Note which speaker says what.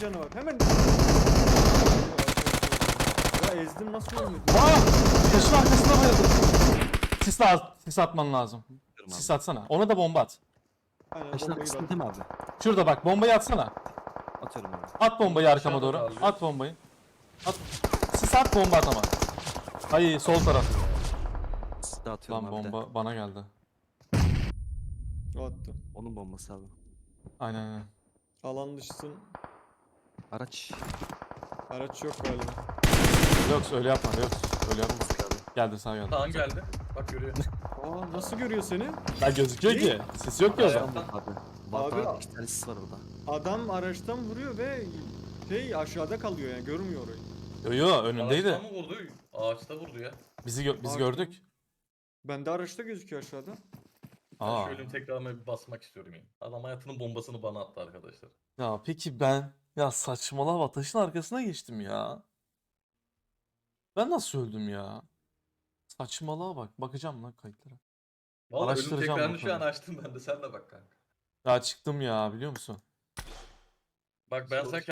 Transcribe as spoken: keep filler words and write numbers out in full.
Speaker 1: canı var. Hemen. Ya ezdim nasıl ölmedi?
Speaker 2: Aa! Taşın arkasında bayıldım. Sis, at, sis atman lazım.
Speaker 3: Abi.
Speaker 2: Sis atsana. Ona da bomba at.
Speaker 1: Aynen
Speaker 3: Taşın
Speaker 1: bombayı
Speaker 3: arkasında
Speaker 1: bak.
Speaker 3: değil mi abi?
Speaker 2: Şurada bak bombayı atsana.
Speaker 3: Atıyorum abi.
Speaker 2: At bombayı arkama
Speaker 4: Aşağıda
Speaker 2: doğru.
Speaker 4: kalıyor.
Speaker 2: At bombayı. At. Sis at bomba at ama. Hayır sol taraf.
Speaker 3: Size atıyorum
Speaker 2: Lan
Speaker 3: abi de.
Speaker 2: bomba bana geldi.
Speaker 1: O attı.
Speaker 3: Onun bombası abi.
Speaker 2: Aynen aynen.
Speaker 1: Alan dışısın.
Speaker 3: Araç.
Speaker 1: Araç yok galiba.
Speaker 2: Yok öyle yapma yok. Öyle yapma.
Speaker 3: Abi.
Speaker 2: Geldi sağ geldi.
Speaker 4: Kaan geldi. Bak görüyor.
Speaker 1: Aa nasıl görüyor seni?
Speaker 2: Ben gözüküyor ki. Sis yok ki o zaman.
Speaker 4: Ayakta.
Speaker 3: Abi. Var
Speaker 1: Abi-
Speaker 3: abi. İki tane sis var orada.
Speaker 1: Adam araçtan vuruyor ve şey aşağıda kalıyor yani görmüyor orayı.
Speaker 2: Yo yo önündeydi.
Speaker 4: Ağaçtan mı vurdu? Ağaçta vurdu ya.
Speaker 2: Bizi gö- biz
Speaker 1: Ağaçta
Speaker 2: gördük.
Speaker 1: Bende araçta gözüküyor aşağıda.
Speaker 4: Ben
Speaker 2: Aa.
Speaker 4: şöyle tekrarına bir basmak istiyorum yani. Adam hayatının bombasını bana attı arkadaşlar.
Speaker 2: Ya peki ben ya saçmalama taşın arkasına geçtim ya. Ben nasıl öldüm ya? Saçmalığa bak. Bakacağım lan kayıtlara.
Speaker 4: Vallahi ölüm
Speaker 2: Araştıracağım
Speaker 4: tekrarını
Speaker 2: bu
Speaker 4: şu an
Speaker 2: konuyu.
Speaker 4: açtım ben de sen de bak kanka.
Speaker 2: Ya çıktım ya biliyor musun?
Speaker 4: Bak ben sen